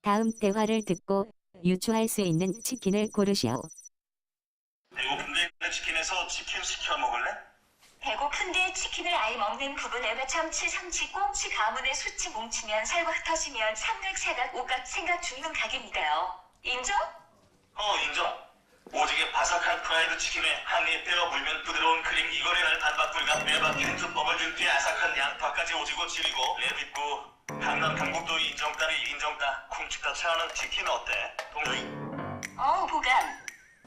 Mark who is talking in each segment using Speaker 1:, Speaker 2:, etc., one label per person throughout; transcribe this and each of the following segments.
Speaker 1: 다음 대화를 듣고 유추할 수 있는 치킨을 고르시오.
Speaker 2: 배고픈데 치킨에서 치킨 시켜 먹을래?
Speaker 3: 배고픈데 치킨을 아예 먹는 부분에 참치, 삼치, 꽁치, 가문의 수치 뭉치면 살과 흩어지면 삼각, 사각, 오각, 생각 죽는 각입니다요. 인정?
Speaker 2: 인정. 오지게 바삭한 프라이드 치킨에 한 입 베어 물면 부드러운 크림 이거래날 단박불감 매박 캔투법을 준 뒤에 아삭한 양파까지 오지고 지리고 레빗고 강남 강북도 인정따리 인정따 쿵치다 차는 치킨 어때? 동조이?
Speaker 3: 보감.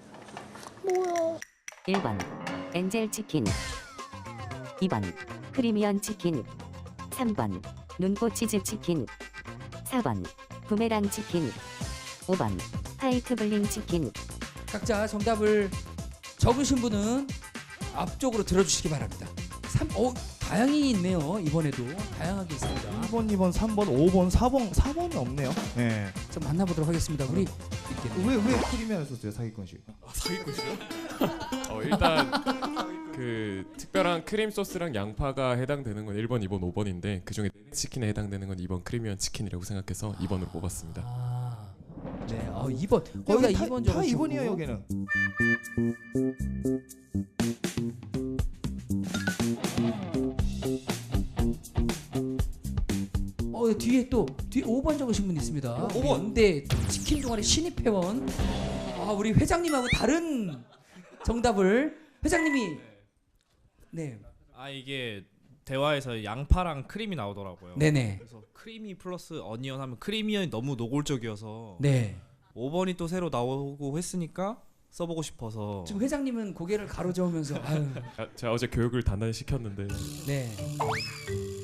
Speaker 1: 1번 엔젤 치킨, 2번 프리미엄 치킨, 3번 눈꽃 치즈 치킨, 4번 부메랑 치킨, 5번 화이트 블링 치킨.
Speaker 4: 각자 정답을 적으신 분은 앞쪽으로 들어주시기 바랍니다. 다양히 있네요. 이번에도 다양하게 있습니다.
Speaker 5: 1번, 2번, 3번, 5번, 4번이 없네요. 네.
Speaker 4: 좀 만나보도록 하겠습니다. 우리
Speaker 5: 왜 프리미엄 소스요? 사기꾼식.
Speaker 6: 사기꾼이요? 일단 그 특별한 크림 소스랑 양파가 해당되는 건 1번, 2번, 5번인데 그중에 치킨에 해당되는 건 2번 크리미엄 치킨이라고 생각해서 2번으로 뽑았습니다.
Speaker 4: 네, 2번 거의 다 2번
Speaker 5: 다
Speaker 4: 적으시고
Speaker 5: 2번이에요 여기는.
Speaker 4: 뒤에 5번 적으신 분 있습니다. 5번. 연대 치킨 동아리 신입 회원. 우리 회장님하고 다른 정답을 회장님이 네.
Speaker 7: 이게 대화에서 양파랑 크림이 나오더라고요.
Speaker 4: 네네.
Speaker 7: 그래서 크리미 플러스 어니언 하면 크리미언이 너무 노골적이어서
Speaker 4: 네.
Speaker 7: 5번이 또 새로 나오고 했으니까 써보고 싶어서.
Speaker 4: 지금 회장님은 고개를 가로저으면서 아유.
Speaker 6: 제가 어제 교육을 단단히 시켰는데
Speaker 4: 네.